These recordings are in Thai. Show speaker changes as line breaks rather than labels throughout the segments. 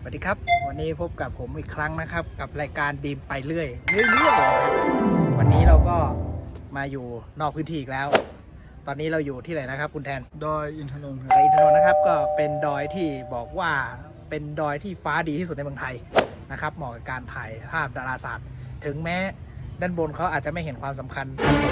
วัสดีครับวันนี้พบกับผมอีกครั้งนะครับกับรายการดีมไปเรื่อยครับวันนี้เราก็มาอยู่นอกพื้นที่อีกแล้ว ตอนนี้เราอยู่ที่ไหนนะครับคุณแทน
ดอยอินทนนท์ครับ
ดอยอินทนนท์นะครับก็เป็นดอยที่บอกว่าเป็นดอยที่ฟ้าดีที่สุดในเมืองไทยนะครับเหมาะกับการถ่ายภาพดาราศาสตร์ถึงแม้ด้านบนเขาอาจจะไม่เห็นความสำคัญ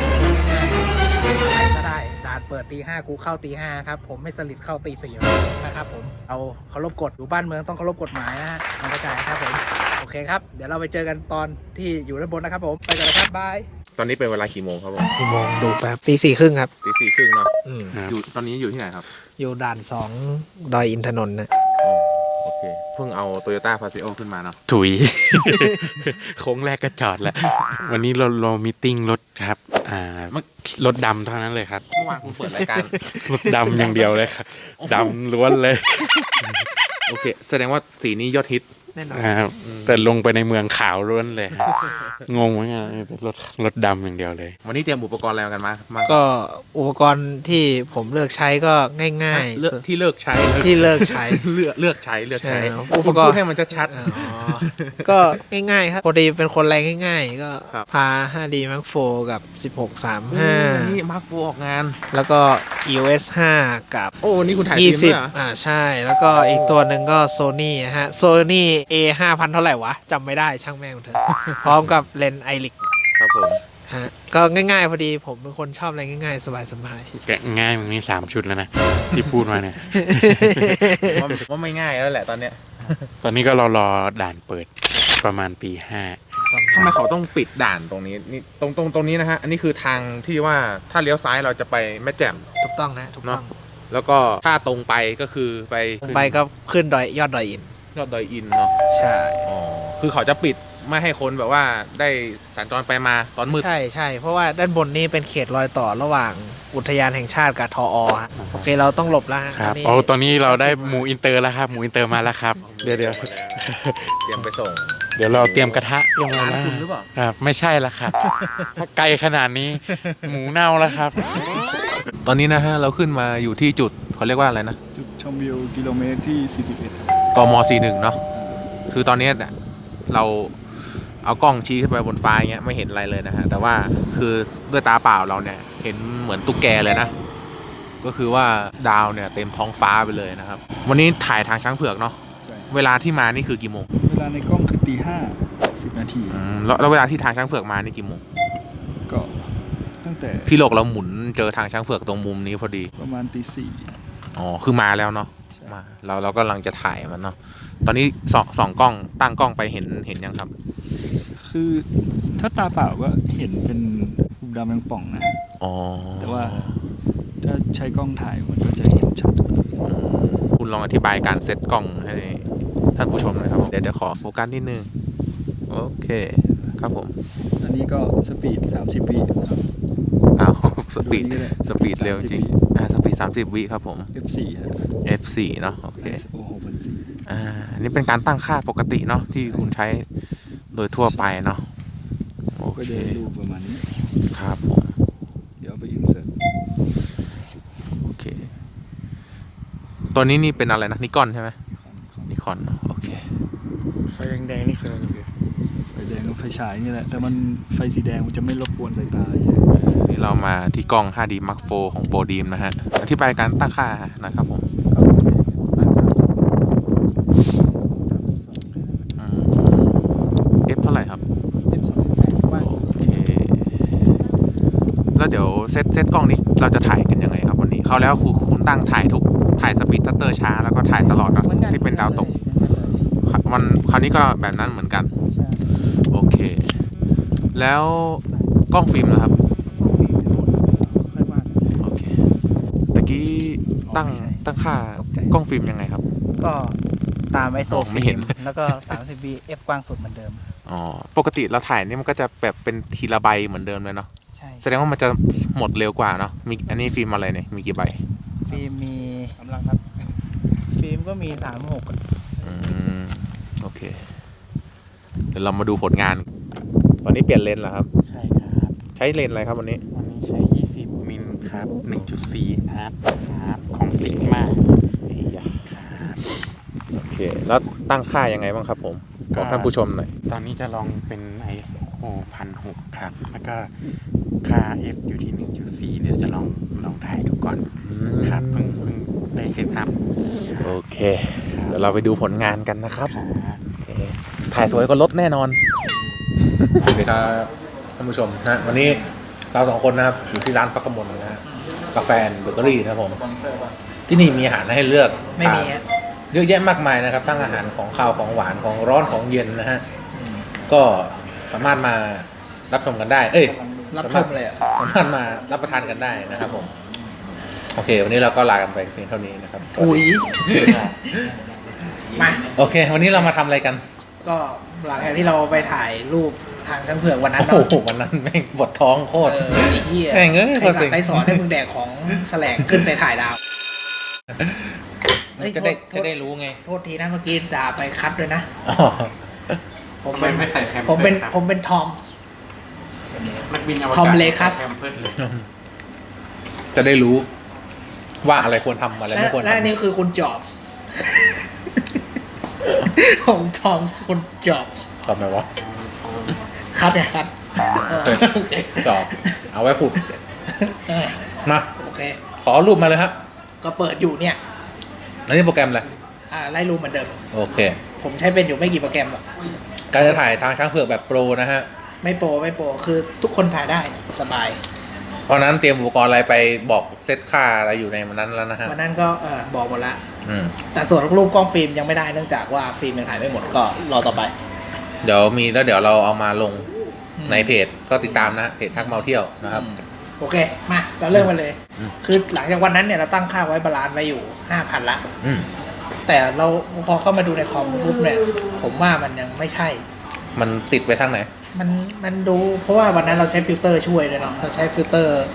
ก็ได้ด่านเปิดตี 5กูเข้าตี 5ครับผมไม่สลิดเข้าตี 4นะครับผมเอาเคารพกฎอยู่บ้านเมืองต้องเคารพกฎหมายนะฮะมันเข้าใจครับผมโอเคครับเดี๋ยวเราไปเจอกันตอนที่อยู่ด้านบนนะครับผมไปกันเลยครับบาย
ตอนนี้เป็นเวลากี่โมงครับผม
กี่โมงดูแป๊บตี 4:30ครับ
ตี 4:30เนาะ
ครับ
อยู่ตอนนี้อยู่ที่ไหนครับ
อยู่ด่าน2ดอยอินทนนท์นะ
โอเคเพิ่งเอา Toyota Paseo ขึ้นมาเนาะ
ถุย โค้งแรกก็จอดแล้ว วันนี้เรามีตติ้งรถครับรถดำเท่านั้นเลยครับ
เมื่อวานคุณเปิดรายการ
รถดำอย่างเดียวเลยครับดำล้วนเลย
โอเคแสดงว่าสีนี้ยอดฮิต
แน่นอน
ครับแต่ลงไปในเมืองขาวล้วนเลยครับงงเหมือนกันแต่รถดำอย่างเดียวเลย
วันนี้เตรียมอุปกรณ์อะไรกันมา
ก็อุปกรณ์ที่ผมเลือกใช้ก็ง่าย
ที่เลิกใช้
ๆที่เลิกใช้
เลือกใช้
ใช่อุ
อุ
ป
ป
ก
ก
ร
ร
ณ์
ณ์ให้มันชัด
อ๋อก็ง่ายๆครับพอดีเป็นคนแรงง่ายๆก็
ครับ
พา 5D Mark IV กับ
ๆนี่
16-35
มาร์คฟูออกงาน
แล้วก็ EOS 5 กับ
โอ้นี่คุณถ่ายฟิล์มด้วยเหรอ
20ใช่แล้วก็อีกตัวหนึ่งก็ Sony ฮะ Sony A 5,000 เท่าไหร่วะจำไม่ได้ช่างแม่งเถอะ พร้อมกับเลนส์ไอริก
ครับผม
ฮะก็ง่ายๆพอดีผมเป็นคนชอบอะไรง่ายๆ สบาย
แกะง่ายมันมี3 ชุดแล้วนะ ที่พูดมาเนี่ย
ผมว่าไม่ง่ายแล้วแหละตอนเนี้ย
ตอนนี้ก็รอด่านเปิดประมาณปี
ทำไมเขาต้องปิดด่านตรงนี้นี่ตรงนี้นะฮะอันนี้คือทางที่ว่าถ้าเลี้ยวซ้ายเราจะไปแม่แจ่ม
ๆถูกต้องนะถูกต้อง
แล้วก็ถ้าตรงไปก็คือไป
ไปก็ขึ้นยอดดอยอิน
ยอดดอยอินเนาะ
ใช่
อ๋อคือเขาจะปิดไม่ให้คนแบบว่าได้สัญจรไปมาตอนมืด
ใช่เพราะว่าด้านบนนี้เป็นเขตรอยต่อระหว่างอุทยานแห่งชาติกับทอฮะโอเคเราต้องหลบแล้วฮะ
5ครับ
นี้
ตอนนี้เราได้หมูอินเตอร์แล้วครับหมูอินเตอร์มาแล้วครับเดี๋ยว
เตรียมไปส่ง
เดี๋ยวเราเตรียมกระทะลงมา
ร้าน
แล้ว
คุณหรือเปล่า
ครับไม่ใช่ละครับถ้าไกลขนาดนี้หมูเน่าแล้วครับ
ตอนนี้นะฮะเราขึ้นมาอยู่ที่จุดเขาเรียกว่าอะไรนะ
จุดชมวิวกิโลเมตรที่ 41 ครับ
กม41เนาะคือตอนนี้เนี่ยเราเอากล้องชี้ขึ้นไปบนฟ้าอย่างเงี้ยไม่เห็นอะไรเลยนะฮะแต่ว่าคือด้วยตาเปล่าเราเนี่ยเห็นเหมือนตุ๊กแกเลยนะก็คือว่าดาวเนี่ยเต็มท้องฟ้าไปเลยนะครับวันนี้ถ่ายทางช้างเผือกเนาะ
ใช่
เวลาที่มานี่คือกี่โมง
เวลาในกล้องคือตี 5:10 นาที
แล้วเวลาที่ทางช้างเผือกมานี่กี่โมง
ก็ตั้งแต่
พี่โลกเราหมุนเจอทางช้างเผือกตรงมุมนี้พอดี
ประมาณตี
อ๋อคือมาแล้วเนาะ
4 ใช่
มาเรากำลังจะถ่ายมันเนาะตอนนี้สองกล้องตั้งกล้องไปเห็นยังครับ
คือถ้าตาเปล่าก็เห็นเป็นหุบดำแมงป่องนะ
อ๋อ
แต่ว่าถ้าใช้กล้องถ่ายมันก็จะเห็นชัด
คุณลองอธิบายการเซตกล้องให้ท่านผู้ชมหน่อยครับเดี๋ยวขอโฟกัสนิดนึงโอเคครับผม
อันนี้ก็สปีด 30 วิครับ
อ้าวสปีด
ดูนี่ก็ได้
สปีดเร็วจริงสปีด30 วิครับผม
F4 ครับ
F4 เนาะโอเค
ISO 6,400
อันนี้เป็นการตั้งค่าปกติเนาะที่คุณใช้โดยทั่วไปเนาะโอ
ก็
เค
จะดูประมาณนี้
ครับผม
เดี๋ยวเอาไปอินเสิร์ต
โอเคตัวนี้นี่เป็นอะไรนะนิคอนใช่ไหมนิคอนโอเค
ไฟแดงๆนี่คืออะไรพี่
ไฟแดงกับไฟฉายนี่แหละแต่มันไฟสีแดงมันจะไม่รบกวนสายตาใช่ไหม
นี่เรามาที่กล้อง 5D Mark IV ของโบดีมนะฮะอธิบายการตั้งค่านะครับผมF เท่าไหร่ครับโอเคแล้วเดี๋ยวเซตกล้องนี้เราจะถ่ายกันยังไงครับวันนี้เขาแล้วคุณตั้งถ่ายสปีดชัตเตอร์ช้าแล้วก็ถ่ายตลอดนะที่เป็นดาวตกมันคราวนี้ก็แบบนั้นเหมือนกันโอเคแล้วกล้องฟิล์มนะครับโอเคตะกี้ตั้งค่ากล้องฟิล์มยังไงครับ
ก็ตาม ISO
ไม่เห็น
แล้วก็ 30 v f กว้างสุดเหมือนเดิม
อ๋อปกติเราถ่ายนี่มันก็จะแบบเป็นทีละใบเหมือนเดิมเลยเนาะ
ใช่
แสดงว่ามันจะหมดเร็วกว่าเนาะมีอันนี้ฟิล์มอะไรเนี่ยมีกี่ใบ
ฟิล์มมีกำลังครับฟิล์มก็มี 36
โอเคเดี๋ยวเรามาดูผลงาน ตอนนี้เปลี่ยนเลนส์เหรอครับ
ใช่ครับ
ใช้เลนส์อะไรครับวันนี้
วันนี้ใช้ 20
มิลครับ 1.4 ครับของซิกมา
โอเค แล้วตั้งค่ายังไงบ้างครับผมบอกท่านผู้ชมหน่อย
ตอนนี้จะลองเป็น ISO 1,600 ครับ แล้วก็ค่า F อยู่ที่ 1.4 เดี๋ยวจะลองถ่ายดูก่อนครับเพิ่งได้เซตอัพ
โอเค เดี๋ยวเราไปดูผลงานกันนะครับโอเคถ่ายสวยกว่ารถแน่นอนสวัสดีครับท่านผู้ชมฮะวันนี้เราสองคนนะครับอยู่ที่ร้านพักกมลนะฮะกาแฟเบเกอรี่นะครับผมที่นี่มีอาหารให้เลือก
ไม่มีอะ
เยอะแยะมากมายนะครับทั้งอาหารของข้าวของหวานของร้อนของเย็นนะฮะก็สามารถมารับชมกันได้
รับชมเลยอะ
สามารถมารับประทานกันได้นะครับผมโอเค วันนี้เราก็ลากันไปเพียงเท่านี้นะครับ
อุ้ยมา
โอเค วันนี้เรามาทำอะไรกัน
ก็หลังจากที่เราไปถ่ายรูปทางช่างเผือกวันนั้น
โอ้
เนาะ
โหวันนั้นแม่งปวดท้องโคตร
ไอ้เหี้ย
แม่งเอ้ย
ใครสั่งใครสอนให้มึงแดกของแสลงขึ้นไปถ่ายดาวเฮ้ย
จะได้รู้ไง
โทษทีนะเมื่อกี้ด่าไปคัดด้วยนะ
อ๋อ
ผมเป็น
ไม่ใส่แพมเพิร์ส
ผมเป็น
ครับ
ผมเป็นทอม
นักบินอวกาศ
ทอมเลคัส
แพมเพิร์สเลย
จะได้รู้ว่าอะไรควรทำอะไรไม่ควร
และอัน
ทำ
นี้คือคุณจอบส์ ของทอมส์คุณจอบส์
ทำไมวะ
คัดเนี่ยคัดโอเค
จอบเอาไว้พูด
เออ
มา
โอเค
ขอรูปมาเลยฮะ
ก็เปิดอยู่เนี่ย
อันนี้โปรแกรมอะไร
ไล่รูปเหมือนเดิม
โอเค
ผมใช้เป็นอยู่ไม่กี่โปรแกรมหรอก
การจะถ่ายทางช้างเผือกแบบโปรนะฮะ
ไม่โปรคือทุกคนถ่ายได้สบาย
เพราะนั้นเตรียมอุปกรณ์อะไรไปบอกเซตค่าอะไรอยู่ในมันนั้นแล้วนะฮะ
วันนั้นก็บอกหมดละ
อืม
แต่ส่วนรูปกล้องฟิล์มยังไม่ได้เนื่องจากว่าฟิล์มยังถ่ายไม่หมดก็รอต่อไป
เดี๋ยวมีแล้วเดี๋ยวเราเอามาลง
อืม
ในเพจก็ติดตามนะเพจทักเมาเที่ยวนะครับ
โอเคมาเราเริ่มกันเลย
อืม
คือหลังจากวันนั้นเนี่ยเราตั้งค่าไว้บาลานซ์ไว้อยู่ 5,000 ละ
อืม
แต่เราพอเข้ามาดูในคอมปุ๊บเนี่ยผมว่ามันยังไม่ใช่
มันติดไปทางไหน
มันดูเพราะว่าวันนั้นเราใช้ฟิลเตอร์ช่วยเลยเนาะเราใช้ฟิลเตอร์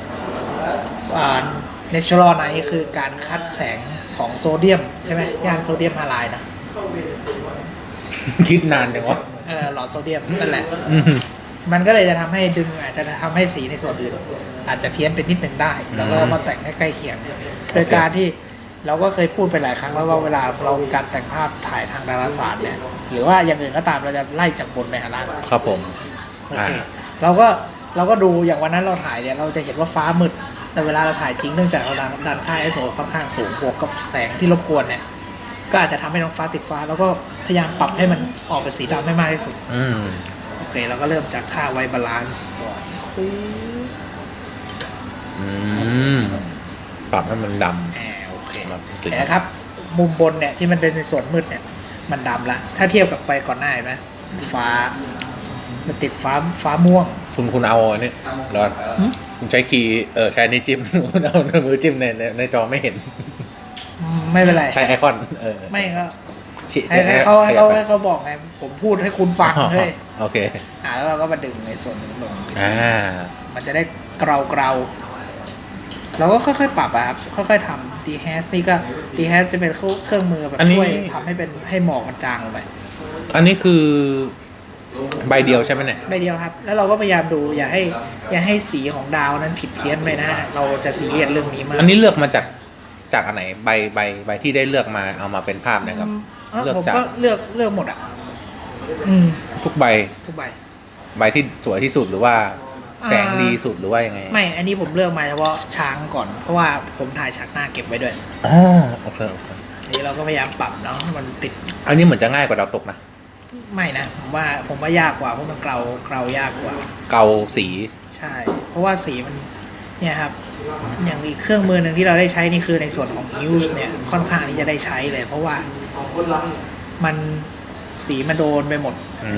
natural night คือการคัดแสงของโซเดียมใช่ไหมย่านโซเดียมฮาไลด์นะ
คิดนานจังวะ
หลอดโซเดียมนั่นแหละ
อืม
มันก็เลยจะทำให้ดึงอาจจะทำให้สีในส่วนอื่นอาจจะเพี้ยนไปนิดหนึ่งได้ แล้วก็มาแต่งให้ใกล้เคียง โดยการที่เราก็เคยพูดไปหลายครั้งแล้วว่าเวลาเราการแต่งภาพถ่ายทางดาราศาสตร์เนี่ยหรือว่าอย่างอื่นก็ตามเราจะไล่จากบนไปหาล่าง
ครับผม
โอเคเราก็ดูอย่างวันนั้นเราถ่ายเนี่ยเราจะเห็นว่าฟ้ามืดแต่เวลาเราถ่ายจริงเนื่องจากเราดันค่า ISO ค่อนข้างสูงบวกกับแสงที่รบกวนเนี่ยก็อาจจะทำให้น้องฟ้าติดฟ้า แล้วก็พยายามปรับให้มันออกเป็นสีดำให้มากที่สุด
อืม
โอเคเราก็เริ่มจากค่าไวบาลานซ์ก่อน
อืม ปรับให้มันด
โอเค
ครับ
แต่นะครับ มุมบนเนี่ยที่มันเป็นในส่วนมืดเนี่ยมันดำละถ้าเทียบกับไปก่อนหน้าเห็นไหมฟ้ามันติดฟ้าม่วง
ำคุณเอาอันนี้ร้อนคุณใช้คีย์ใช้นิ้วจิ้ม คุณเอามือจิ้มในจอไม่เห็น
ไม่เป็นไร
ใช้ไอคอน
ไม่ก็
ชี้
ให้เขาบอกไงผมพูดให้คุณฟังเฮ้ย
โอเค
แล้วเราก็มาดึงในส่วนนี้ลง มันจะได้เกลาเราก็ค่อยๆปรับอะครับค่อยๆทำ dehash นี่ก็ dehash จะเป็นเครื่องมือแบบ
อันนี้
ช่วยทำให้หมอกมันจางลงไป
อันนี้คือใบเดียวใช่ไหมเนี่ย
ใบเดียวครับ แล้วเราก็พยายามดูอย่าให้สีของดาวนั้นผิดเพี้ยนไปนะ เราจะซีเรียสเรื่องนี้มาก
อันนี้เลือกมาจากอันไหนใบที่ได้เลือกมาเอามาเป็นภาพนะครับ เลือก
ผม
จาก
ก็เลือกหมดอ่ะ
ทุกใบ
ทุกใบ
ใบที่สวยที่สุดหรือว่าแสงดีสุดหรือว่ายังไง
ไม่ อันนี้ผมเลือกมาเฉพาะช้างก่อน เพราะว่าผมถ่ายฉากหน้าเก็บไว้ด้วย
อ๋อโอเค
อันนี้เราก็พยายามปรับเนาะให้มันติด
อันนี้เหมือนจะง่ายกว่าดาวตกนะ
ไม่นะ ผมว่ายากกว่าเพราะมันเกลายากกว่า
เกาสี ใช่
เพราะว่าสีมันเนี่ยครับ อย่างอีกเครื่องมือหนึ่งที่เราได้ใช้นี่คือในส่วนของ Hughes เนี่ยค่อนข้างที่จะได้ใช้เลย เพราะว่ามันสีมันโดนไปหมด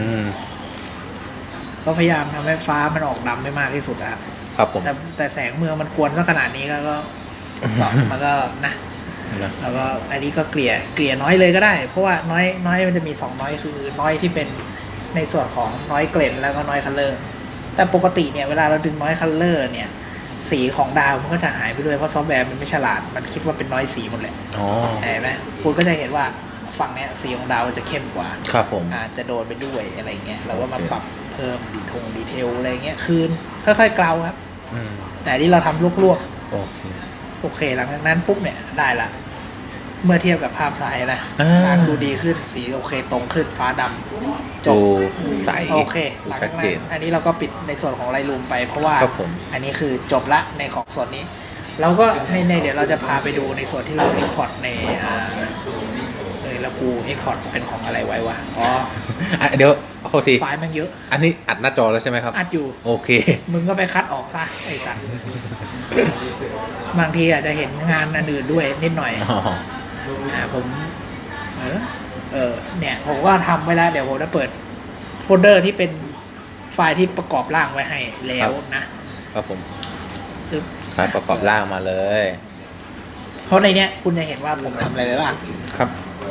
ก็พยายามทำให้ฟ้ามันออกดำไม่มากที่สุดนะครับ
ครับผม
แต่แสงเมืองมันกวนก็ขนาดนี้ก็มันก็นะแล้วก็อันนี้ก็เกลี่ยน้อยเลยก็ได้ เพราะว่าน้อยมันจะมี2น้อยคือน้อยที่เป็นในส่วนของน้อยเกรนแล้วก็น้อยคัลเลอร์แต่ปกติเนี่ยเวลาเราดึงน้อยคัลเลอร์เนี่ยสีของดาวมันก็จะหายไปด้วยเพราะซอฟต์แวร์มันไม่ฉลาดมันคิดว่าเป็นน้อยสีหมดเลย
อ๋อ
ใช่ไหมคุณก็จะเห็นว่าฝั่งเนี้ยสีของดาวมันจะเข้มกว่า
ครับผม
อาจจะโดนไปด้วยอะไรเงี้ยเราก็มาปรับเพิ่มดีเทลอะไรเงี้ยคืนค่อยๆเกลาครับแต่ที่เราทำลวก
โอเค
โอเคหลังจากนั้นปุ๊บเนี่ยได้ละเมื่อเทียบกับภาพซ้ายนะ
อ่า
ฉากดูดีขึ้นสีโอเคตรงขึ้นฟ้าดำจ
ดู
บ
ใส
โอเคหลัง
ชั
จา
ด
ก
เจ
นั้น
น
อันนี้เราก็ปิดในส่วนของไลท์รูมไปเพราะว่า
ครับผม
อันนี้คือจบละในของส่วนนี้ เราก็ในเดี๋ยวเราจะพาไปดูในส่วนที่เรา export ในแล้วกู export เป็นของอะไรไว้วะอ๋อ
อ่ะเดี๋ยวโทษที
ไฟล์มันเยอะ
อันนี้อัดหน้าจอแล้วใช่ไหมครับ
อัดอยู่
โอเค
มึงก็ไปคัดออกซะไอ้สัตว์บางทีอาจจะเห็นงานอันอื่นด้วยนิดหน่อย
อ๋อ
ผมเนี่ยผมก็ทำไว้แล้ว เดี๋ยวผมจะเปิดโฟลเดอร์ที่เป็นไฟล์ที่ประกอบร่างไว้ให้แล้วนะครับ
ผม
ปึ๊บ
ไฟล์ประกอบร่างมาเลย
เพราะในเนี้ยคุณจะเห็นว่าผมทำอะไรไปบ้าง
ครับ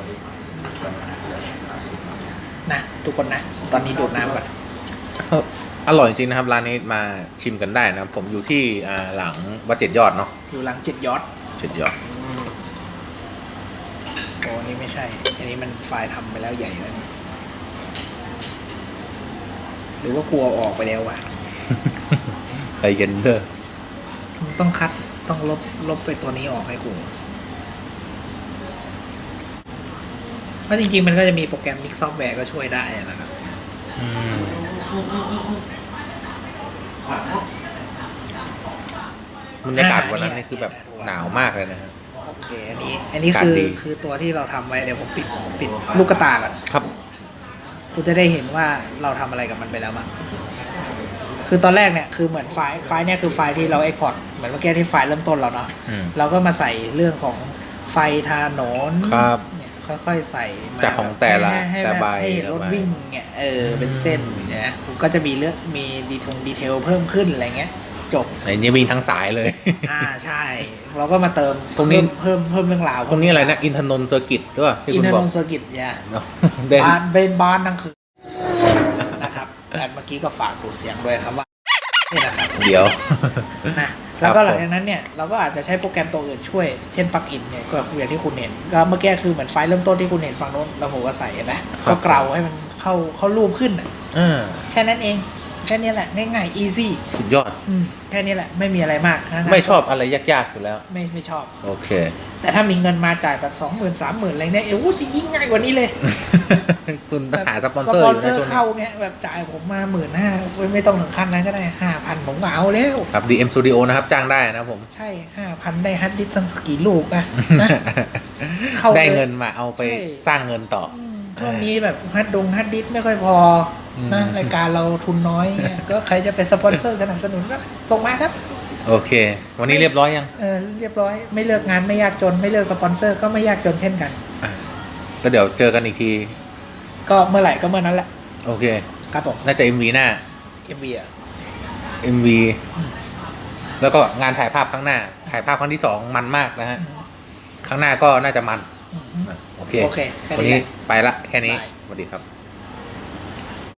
นะทุกคนนะ ตอนนี้ดูดน้ำก่อน
อร่อยจริงนะครับร้านนี้มาชิมกันได้นะผมอยู่ที่หลังวัดเจ็ดยอดเนาะ
อยู่หลัง7 ยอด
เจ็ดยอด
โอ้นี่ไม่ใช่ อันนี้มันไฟล์ทำไปแล้วใหญ่แล้วนี่หรือว่ากลัวออกไปแล้ววะ
ใจเย็นเด้อ
ต้องคัดต้องลบไปตัวนี้ออกให้กูเพราะจริงๆมันก็จะมีโปรแกรม Mix Software ก็ช่วยได้นะครับ
อืมบรรยากาศวันนั้นนี่คือแบบหนาวมากเลยนะฮะ
โอเค อันนี้
การดี
คือตัวที่เราทำไว้เดี๋ยวผมปิดลูกกระตาก่อน
ครับ
คุณจะได้เห็นว่าเราทำอะไรกับมันไปแล้วมั้งคือตอนแรกเนี่ยคือเหมือนไฟล์เนี่ยคือไฟล์ที่เรา export เหมือนเมื่อกี้ที่ไฟล์เริ่มต้นเราเนาะ
อืม
เราก็มาใส่เรื่องของไฟถนน
ครับ
เนี่ยค่อยๆใส่มา
จากของแต่ละ
ให้
แต่
แบบ
ใบ
ให้เห็นรถ
แต่ใบ
วิ่งเนี่ยเป็นเส้นเนี่ยก็จะมีเรื่องมีดีเทลเพิ่มขึ้นอะไรเงี้ยจบ
ไอ้นี่วิ่งทั้งสายเลย
ใช่ เราก็มาเติม
ตรงนี้
เพิ่มเรื่องราว
ตรงนี้อะไรนะอินทนนท์เซอร์กิตด้วยที่
อิน
คุณ
เทอร์
บ
น
อก
งเซอร์กิตเนี่ย
เนาะเด่น
บ้านนั่งคือนะครับแต่เมื่อกี้ก็ฝากดูเสียงด้วยครับว่านี่นะครับ
เดี๋ยว
นะแล้วก็หลังจากนั้นเนี่ยเราก็อาจจะใช้โปรแกรมตัวอื่นช่วยเช่นปลั๊กอินเนี่ยก็อย่างที่คุณเห็นก็เมื่อกี้คือเหมือนไฟล์เริ่มต้นที่คุณเห็นฝั่งโน้นแล้วผมก็ใส่นะก็เกลาให้มันเข้ารูปขึ้นน่ะ แค่นั้นเองแค่นี้แหละง่ายๆ easy
สุดยอด
แค่นี้แหละไม่มีอะไรมากนะ
ไม่ชอบอะไรยากๆอยู่แล้ว
ไม่ชอบ
โอเค
แต่ถ้ามีเงินมาจ่ายแบบ20,000 30,000อะไรเนี่ยจะยิ่งง่ายกว่านี้เลย
คุณหาสปอน
ส
เซอร์
ป
อ
อน
ยู่
เซ
ใน
อ
ช่วง
ร์
นี้
เข้าเงี้ยแบบจ่ายผมมา15,000ไม่ต้องถึงขั้นนั้นก็ได้ 5,000 ผมก็เอาแล้ว
ครับ DM Studio นะครับจ้างได้นะครับผม
ใช่ 5,000 ได้ฮัดดิสก์ตั้งกี่ลูกนะเข้า
ได้
ลย
เงินมาเอาไป
ใช่
สร้างเงินต่อ
ช่วงนี้แบบฮัดดิสก์ไม่ค่อยพอนะรายการเราทุนน้อยเงี้ยก็ใครจะเป็นสปอนเซอร์สนับสนุนก็ส่งมาครับ
โอเค วันนี้เรียบร้อยยัง
เรียบร้อยไม่เลือกงานไม่ยากจนไม่เลือกสปอนเซอร์ก็ไม่ยากจนเช่นกัน
ก็เดี๋ยวเจอกันอีกที
ก็เมื่อไหร่ก็เมื่อนั้นแหละ
โอเค
ครับผม
น่าจะ MV หน้า
MV อ่ะ
MV แล้วก็งานถ่ายภาพครั้งหน้า ถ่ายภาพครั้งที่2มันมากนะฮะ ครั้งหน้าก็น่าจะมัน โอเค
โอเคแค่
วัน
นี้
นี้
แหละ
ไปละแค่นี้
บาย
สวัสดีครับ